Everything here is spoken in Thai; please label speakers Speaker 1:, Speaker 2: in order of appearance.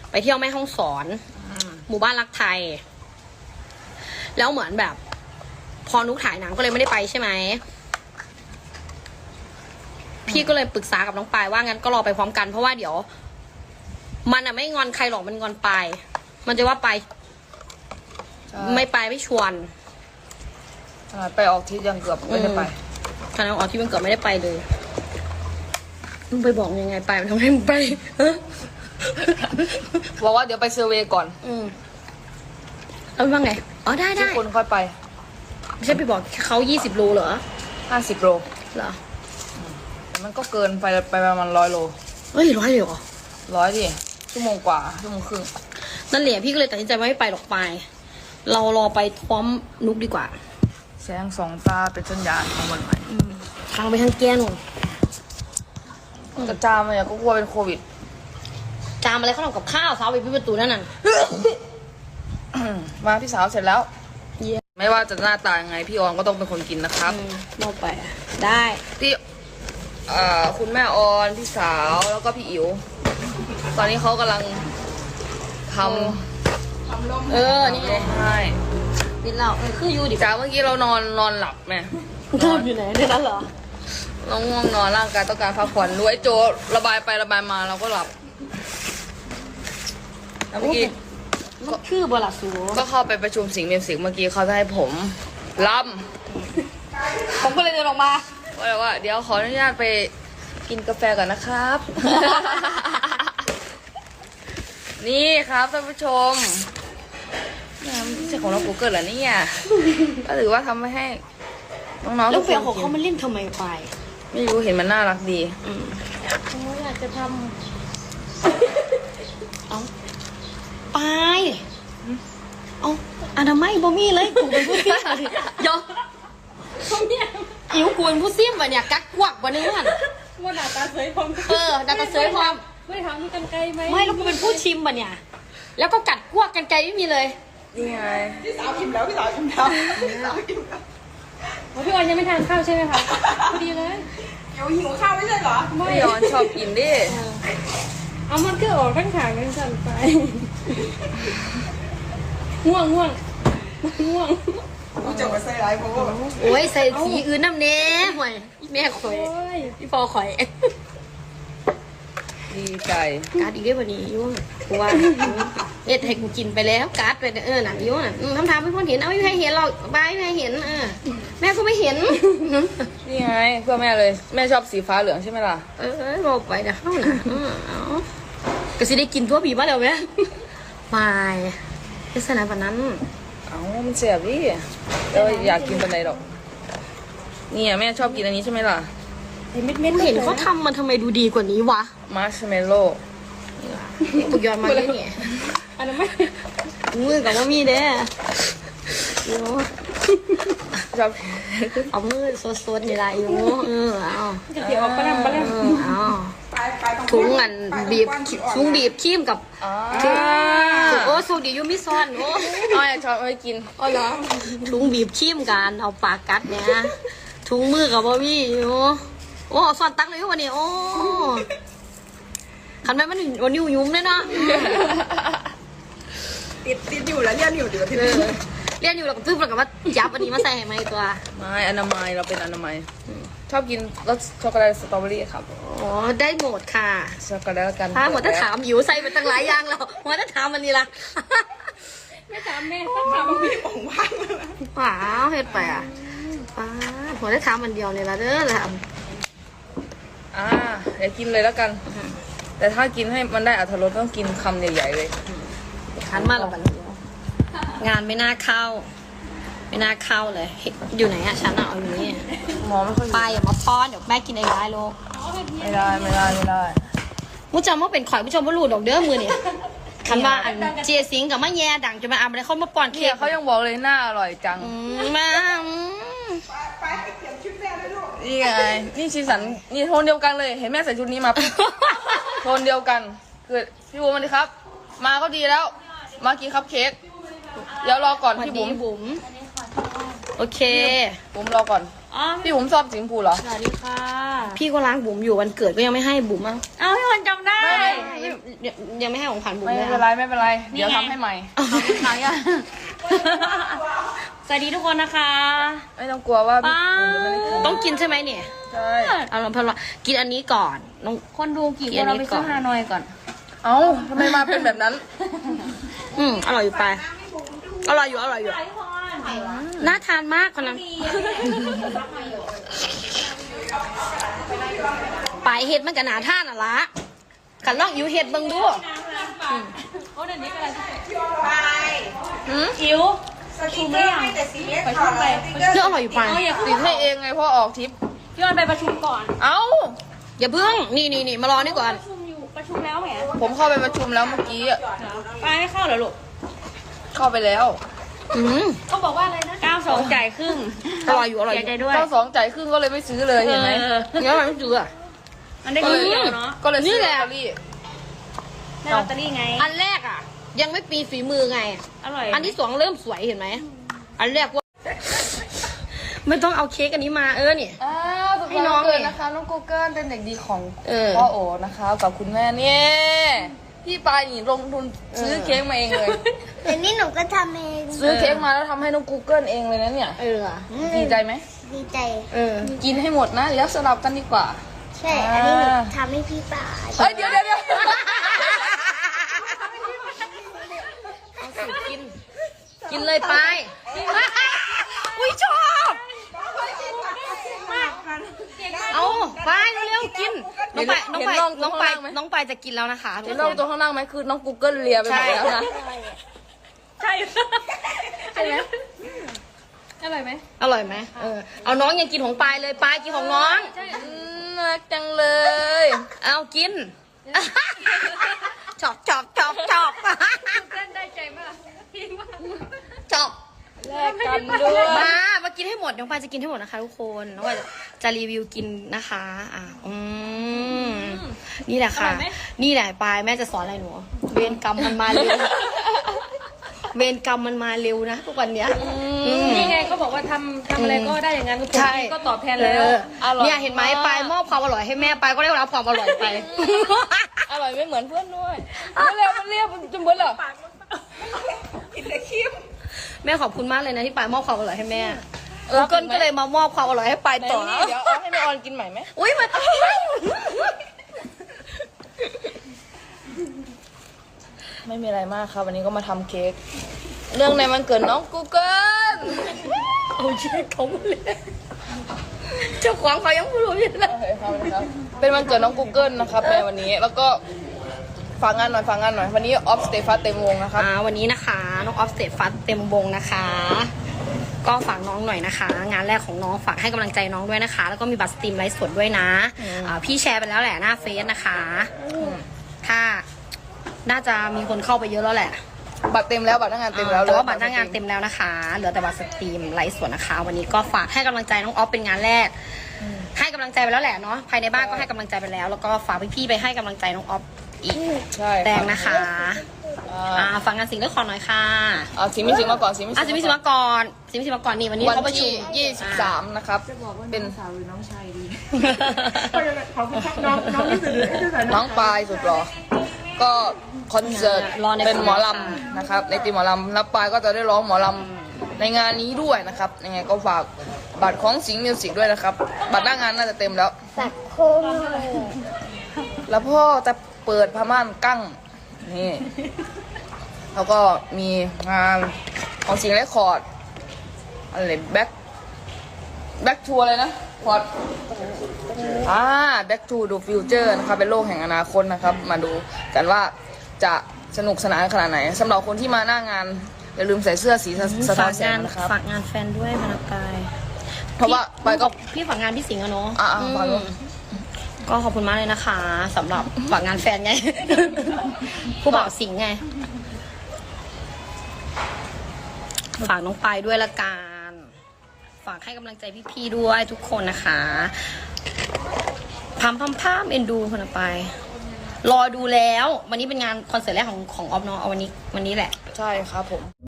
Speaker 1: ไปเที่ยวแม่ฮ่องสอนหมู่บ้านรักไทย แล้วเหมือนแบบ พอนุกถ่ายหนังก็เลยไม่ได้ไปใช่ไหมพี่ก็เลยปรึกษากับน้องปายว่างั้นก็รอไปพร้อมกันเพราะว่าเดี๋ยว มันอะไม่งอนใครหรอกมันงอนปายมันจะว่าไปไม่ไปไม่ชวน
Speaker 2: ไปออกทริปยังเกือบไม่ได้ไป
Speaker 1: ขณะออกที่มันเกือบไม่ได้ไปเลยมึงไปบอกยังไงไปมันทำให้มึงไป
Speaker 2: บอกว่าเดี๋ยวไปเซอร์เวย์ก่อน
Speaker 1: แล้วว่าไงอ๋อได้
Speaker 2: ทุกคนค่อยไป
Speaker 1: ไม่ใช่ไปบอกเขา20 โลเหรอ
Speaker 2: 50 โล
Speaker 1: เหรอ
Speaker 2: มันก็เกินไปประมาณ100 โล
Speaker 1: เฮ้ย100เลยเหรอ
Speaker 2: 100ดิชั่วโมงกว่าชั่วโมงครึ่ง
Speaker 1: นั่นแหละพี่ก็เลยตัดสินใจว่าไม่ไปหรอกไปเรารอไปพร้อมนุกดีกว่า
Speaker 2: แสงสองตาเป็นสัญญาณของวันใหม่
Speaker 1: ทางไปทางแก้น
Speaker 2: จะจามอะไรก็กลัวเป็นโควิด
Speaker 1: จามอะไรเขาทำกับข้าวสาวไปปิดประตูนั่นน่ะ
Speaker 2: มาพี่สาวเสร็จแล้วไม่ว่าจะหน้าตายังไงพี่ออนก็ต้องเป็นคนกินนะครับ
Speaker 1: มองไปได้
Speaker 2: พี่คุณแม่ออนพี่สาวแล้วก็พี่อิ๋วตอนนี้เขากำลังทำ
Speaker 1: นี่เลย
Speaker 2: ใช่
Speaker 1: ดิเราคืออยู่ดิ
Speaker 2: จ้าเมื่อกี้เรานอนหลับไหม
Speaker 1: นอนอยู่ไหนในนั้นเหรอ
Speaker 2: เราง่วงนอนร่างกายต้องการพักผ่อนด้วยโจระบายไประบายมาเราก็หลับแล้วเมื่อกี้
Speaker 1: คือบลาสู
Speaker 2: ก็เข้าไปประชุมสิงห์เมียมสิงห์เมื่อกี้เขาจะให้ผม
Speaker 1: ผมก็เลยเดินออกมา
Speaker 2: ว่าเดี๋ยวขออนุญาตไปกินกาแฟก่อนนะครับนี่ครับท่านผู้ชมนี่ไม่ใช่ของเรากูเกิดเหรอเนี่ยก็ถือว่าทำให้น้องๆ
Speaker 1: แล้วเฟียของเขามันเล่นทำไมไป
Speaker 2: ไม่รู้เห็นมันน่ารักดี
Speaker 1: อยากจะทำไปเอาอนามัยบ่มีเลยกูเป็นผู้ซิ่มเดี๋ยวอิ๋วกูเป็นผู้ซิ่มวะเนี่ยกักกวักวะเนี่ย
Speaker 3: ว่าดาตาเสยพร้อม
Speaker 1: ดาตาเสยพร้อม
Speaker 3: ไม่ทำมีกันไกลไหม
Speaker 1: ไม่แล้วกูเป็นผู้ชิมวะเนี่ยแล้วก็กัดกวักกันไกลไม่มีเลย
Speaker 2: นี่ไง
Speaker 3: พี่สาวอิ่มแล้วพี่สาวอิ่มแล้วพี่ออนยังไม่ทานข้าวใช่ไหมคะพอดีเลยหิวข้าวไม่ใช่เหรอ
Speaker 2: พี่ออนชอบกินดิ
Speaker 3: เอามันก็ออกทั้งขางกันสั่นไปง่วงกูจะมาใส่ไรเพราะว่า
Speaker 1: โอ้ยใส่สีอื่นน้ำเน้ห่วยแม่ข่อยพี่พอข่อย
Speaker 2: ดีใจ
Speaker 1: การ์ดอีกได้วันนี้ยุ่งกูว่าให้กูกินไปแล้วการ์ดไปหนังยุ่งทำให้พ่อเห็นเอาไม่ให้เห็นหรอกบายไม่ให้เห็นแม่ก็ไม่เห็น
Speaker 2: นี่ไงเพื่อแม่เลยแม่ชอบสีฟ้าเหลืองใช่ไหมล่ะ
Speaker 1: บอกไปนะเข้าหนาก็สิได้กินทั่วปีบ้านแล้วไหมไม่ลักษณะแบบนั้น
Speaker 2: มันเสียบดิเราอยากกินเป็นไรหรอกนี่แม่ชอบกินอันนี้ใช่ไหมล่ะ
Speaker 1: เม็ดเห็นเขาทำมันทำไมดูดีกว่านี้วะ
Speaker 2: มาร์ชเมลโล่
Speaker 1: ปุกยอนมาเลยเนี่ย
Speaker 3: อันนั้นไม่
Speaker 1: มือกับว่ามีเด้
Speaker 2: ชอบ
Speaker 1: เอามือสดๆนี่ไรอยู่เอา
Speaker 3: จะเดี๋ยวปลาแรม
Speaker 1: เอาถุงอันบีบถุงบีบขี้มกับโอ้สูดียูมิซอนโอ้
Speaker 2: อยากชอบไปกิน
Speaker 1: อ๋อเหรอถุงบีบขี้มกันเอาปากกัดเนี่ยถุงมือกับว่ามีอยู่โอ้ซอนตั้งเลยวันนี้โอ้ขันไปมันวันนิ้วยุ้มเลยเนาะ
Speaker 3: ติดอยู่แล้วเรียนอยู่ที่
Speaker 1: เรียนอยู่แล้วก็ตื้อแล้วก็ว่ายับอันนี้มาใส่ให้ไหมตัว
Speaker 2: ไม่อนามัยเราเป็นอนามัยชอบกินรสช็อกโกแลตสตรอเบอรี่ครับ
Speaker 1: อ๋อได้หมดค่ะ
Speaker 2: ช็อกโกแลตกัน
Speaker 1: ถ้าหมดถ้าถามอยู่ใส่ไปตั้งหลายอย่างแล้วหมดถ้าถามมันนี่ละ
Speaker 3: ไม่ถามแม่ต้องถามพี่ป๋องว่างเลย
Speaker 1: ป๋าเฮ็ดไปป๋าหมดถ้าถามมันเดียวเลยละเด้อละ
Speaker 2: เดี๋ยวกินเลยแล้วกันแต่ถ้ากินให้มันได้อรรถรสต้องกินคำใหญ่ๆเลย
Speaker 1: ขันมาแล้วกันงานไม่น่าเข้าเลยอยู่ไหนอะฉันเอาอยู่นี่
Speaker 2: มองไม่ค่อย
Speaker 1: ไปอย่ามาป้อนเดี๋ยวแม่กินเองได้ลูก
Speaker 2: ไม่ได้
Speaker 1: มุจจำว่าเป็นข่อยมุจจำว่ารูดดอกเด้อมือเนี่ยคันว่าอันเจียสิงกับมะแย่ดังจะมาอาบอะไรเขามาป้อนเค้ก
Speaker 2: เขายังบอกเลยหน้าอร่อยจัง
Speaker 1: มา
Speaker 3: ไปเปลี่ยนชุดแม่เลยลูก
Speaker 2: นี่ไงนี่ชีสันนี่โทนเดียวกันเลยเห็นแม่ใส่ชุดนี้มาโทนเดียวกันคือพี่บุ๋มมาดิครับมาก็ดีแล้วมากินคัพเค้กเดี๋ยวรอก่อนพี่บุ๋ม
Speaker 1: โอเค
Speaker 2: บุ๋มรอก่อน
Speaker 3: อ๋อ
Speaker 2: พี่ผมชอบสีชมพูเหรอ
Speaker 3: สวัสดีค่ะ
Speaker 1: พี่ก็ล้างบุ๋มอยู่วันเกิดก็ยังไม่ให้บุ๋มอ่ะ
Speaker 3: เอาพี่คนจำได้
Speaker 1: ยังไม่ให้ของขวัญบุ๋ม
Speaker 2: ไม่
Speaker 1: เลย
Speaker 2: เป็นไรไม่เป็นไร เดี๋ยวทำให้ใหม่
Speaker 3: หนังยังสวัสดีทุกคนนะคะ
Speaker 2: ไม่ต้องกลัวว่า
Speaker 3: ป้า
Speaker 2: ผมจะไม่ได้กิน
Speaker 1: ต้องกินใช่ไหมเนี่ย
Speaker 2: ใช่
Speaker 1: เอาลองพลกินอันนี้ก่อนน้อง
Speaker 3: คนดูกี่คนเราไปซื้อฮานอยก่อน
Speaker 2: เอ้าทำไมมาเป็นแบบนั้น
Speaker 1: อร่อยอยู่ไปอร่อยอยู่น่าทานมากคนนั้นปลายเห็ดมันก็น่าทานอ่ะละกันลองอยู่เห็ดเบิ่งดู
Speaker 3: โอ้เดี๋ยวนี้กัน
Speaker 1: หืม
Speaker 3: อิ๋วชุมไม่ยังไปชุมไป
Speaker 1: เรื่องอร่อยอยู่ไป
Speaker 3: เอาอย่า
Speaker 2: ติดให้เองไงเพราะออกทริป
Speaker 3: พี่วันไปประชุมก่อน
Speaker 2: เอ้า
Speaker 1: อย่าเพิ่งนี่มารอนี่ก่อน
Speaker 3: ประชุมอยู่ประชุมแล้วแหม
Speaker 2: ผมเข้าไปประชุมแล้วเมื่อกี้อะ
Speaker 3: ไปไม่เข้าเหรอลูก
Speaker 2: เข้าไปแล้ว
Speaker 1: อืม
Speaker 3: เขาบอกว่าอะไรนะ92จ่ายครึ่ง
Speaker 1: อร่อยอยู่อร่อยอยู่
Speaker 3: เสีใจด้วย
Speaker 2: เจ้าสองจ่ายครึ่งก็เลยไม่ซื้อเลยเห็นไหม
Speaker 1: เงี้ยมันไม่จืดอ่ะ
Speaker 3: มันได้คนเดียวเนาะ
Speaker 2: ก็เลยซื้อ
Speaker 1: นี่แห
Speaker 2: ลอ
Speaker 1: ละ
Speaker 2: ตเตอรี่
Speaker 3: ได้ลอตเตอรี่ไง
Speaker 1: อันแรกอ่ะ ยังไม่ปีฝีมือไง
Speaker 3: อร่อย
Speaker 1: อันที่สองเริ่มสวยเห็นไหมอันแรกว่า ไม่ต้องเอาเค้กอันนี้มานี่
Speaker 2: อ้าวสุด
Speaker 1: ให้
Speaker 2: ย
Speaker 1: น้
Speaker 2: อ
Speaker 1: อ
Speaker 2: ด
Speaker 1: ง
Speaker 2: เลย
Speaker 1: เนี่ย
Speaker 2: นะคะน้องกูเกิลเป็นเด็กดีของ
Speaker 1: พ่
Speaker 2: พ่อโอนะคะกับคุณแม่เนี่ยพี่ปายนี่ลงทุนซื้อเค้กมาเองเลย
Speaker 4: แต่นี่หนูก็ทำเอง
Speaker 2: ซื้อเค้กมาแล้วทำให้น้องกูเกิลเองเลยนะเนี่ย ดีใจไหม
Speaker 4: ดีใจ
Speaker 2: กินให้หมดนะเดี๋ยวสลับกันดีกว่า
Speaker 4: ใช่ อันนี้หนูทำให้พี่ป่า
Speaker 2: เอ้ยเดี๋ยว
Speaker 1: กินเลยไปอุ้ยชอบเอาไปเร็วๆกินน้องไปจะกินแล้วนะคะ
Speaker 2: เห็นน้องตัวข้างล่างไหมคือน้องกูเกิลเลียไปหมดแล้วนะ
Speaker 3: ใช่ใช่ไหมอร่อยไหม
Speaker 1: อร่อยไหมเอาน้องยังกินของปลายเลยปลายกินของน้อง
Speaker 2: น่ารักจังเลย
Speaker 1: เอากินชอบ
Speaker 3: เต้นได้ใจมากพี่ว่า
Speaker 1: ชอบ
Speaker 2: แลกกันด้วย
Speaker 1: มากินให้หมดน้องปลายจะกินให้หมดนะคะทุกคนน้องปลายจะรีวิวกินนะคะนี่แหละค่ะ นี่แหละปลายแม่จะสอนอะไรหนูเวรกรรมมันมาเร็วเวรกรรมมันมาเร็วนะทุกวันเนี้ย
Speaker 3: นี่ไงเขาบอกว่าทำอะไรก็ได้อย่างนั้น
Speaker 1: ใช่
Speaker 3: ก็ตอบแทนแล้ว
Speaker 1: เนี่ยเห็นไหมปลายมอบความอร่อยให้แม่ปลายก็ได้รับความอร่อยไป
Speaker 2: อร่อยไม่เหมือนเพื่อนด้วยมันเรียบจนเบิดเหรอ
Speaker 1: แม่ขอบคุณมากเลยนะที่ปลายมอบความอร่อยให้แม่เกิลก็เลยมามอบความอร่อยให้ปลาย
Speaker 2: ไหน
Speaker 1: ต่อ
Speaker 2: นี่เดี๋ยวเอาให้แม่ออนกินใหม่ไหม
Speaker 1: อุ้ยมัน
Speaker 2: ไม่มีอะไรมากครับวันนี้ก็มาทำเค้กเรื่องในวันเกิดน้องกูเกิล
Speaker 1: เอาเช็คเขาเลยเจ้าของเขายังไม่รู้อยู่เลย
Speaker 2: โอเคครับนะครับเป็นวันเกิดน้องกูเกิลนะครับในวันนี้แล้วก็ฝากงานหน่อยวันนี้ออฟสเตฟัสเต็มวงนะครับ
Speaker 1: วันนี้นะคะน้องออฟสเตทฟัสเต็มวงนะคะ ก็ฝากน้องหน่อยนะคะ งานแรกของน้องฝากให้กำลังใจน้องด้วยนะคะ แล้วก็มีบัตรสตรีมไลฟ์สดด้วยนะพี่แชร์ไปแล้วแหละหน้าเฟซนะคะถ้าน่าจะมีคนเข้าไปเยอะแล้วแหละ
Speaker 2: บัตรเต็มแล้วบัตรหน้างานเต็มแล้ว
Speaker 1: แต่ว่าบัตรหน้างานเต็มแล้วนะคะ เหลือแต่บัตรสตรีมไลฟ์สดนะคะ วันนี้ก็ฝากให้กำลังใจน้องออฟเป็นงานแรก ให้กำลังใจไปแล้วแหละเนาะภายในบ้านก็ให้กำลังใจไปแล้ว แล้วก็ฝากพี่ๆไปให้กำลังใจน้องออฟอีก
Speaker 2: ใช่
Speaker 1: แดงนะคะฝากงานสิ่งเรื่องขอหน่อยค่ะ
Speaker 2: สิมิสิมาก่อนสิมิ
Speaker 1: สิมิมาก่อนสิมิมาก่อนนี่วันนี้
Speaker 2: วัน
Speaker 1: เขาประชุ
Speaker 2: ที่
Speaker 1: ม
Speaker 2: 23นะครับเป็นน้องปลายสุดหรอก็คอนเสิร์ตเป็นหมอลำนะครับในทีมหมอลำแล้วปลายก็จะได้ร้องหมอลำในงานนี้ด้วยนะครับยังไงก็ฝากบัตรของสิงห์มิวสิกด้วยนะครับบัตรหน้างานน่าจะเต็มแล้ว
Speaker 4: สักโค้งเลย
Speaker 2: แล้วพ่อจะเปิดผ้าม่านกั้งนี่แล้วก็มีงานของสิงห์เรคคอร์ดอะไรแบ็คทัวร์อะไรนะพอดBack to the Future นะครับเป็นโลกแห่งอนาคตนะครับมาดูกันว่าจะสนุกสนานขนาดไหนสำหรับคนที่มาหน้างานอย่าลืมใส่เสื้อสีสะท้อนแสงนะครับ
Speaker 1: ฝากงานแฟนด้วยมานาปาย
Speaker 2: เพราะว่าไปก็
Speaker 1: พี่ฝากงานพี่สิงห์อะเนาะ
Speaker 2: ฝากด้วย
Speaker 1: ก็ขอบคุณมากเลยนะคะสำหรับฝากงานแฟนไง ผู้บ่าวสิงห์ไง ฝากน้องปายด้วยละกันฝากให้กำลังใจพี่ๆด้วยทุกคนนะคะพามเอ็นดูคนไปรอดูแล้ววันนี้เป็นงานคอนเสิร์ตแรกของออฟเนาะเอาวันนี้แหละ
Speaker 2: ใช่ครับผม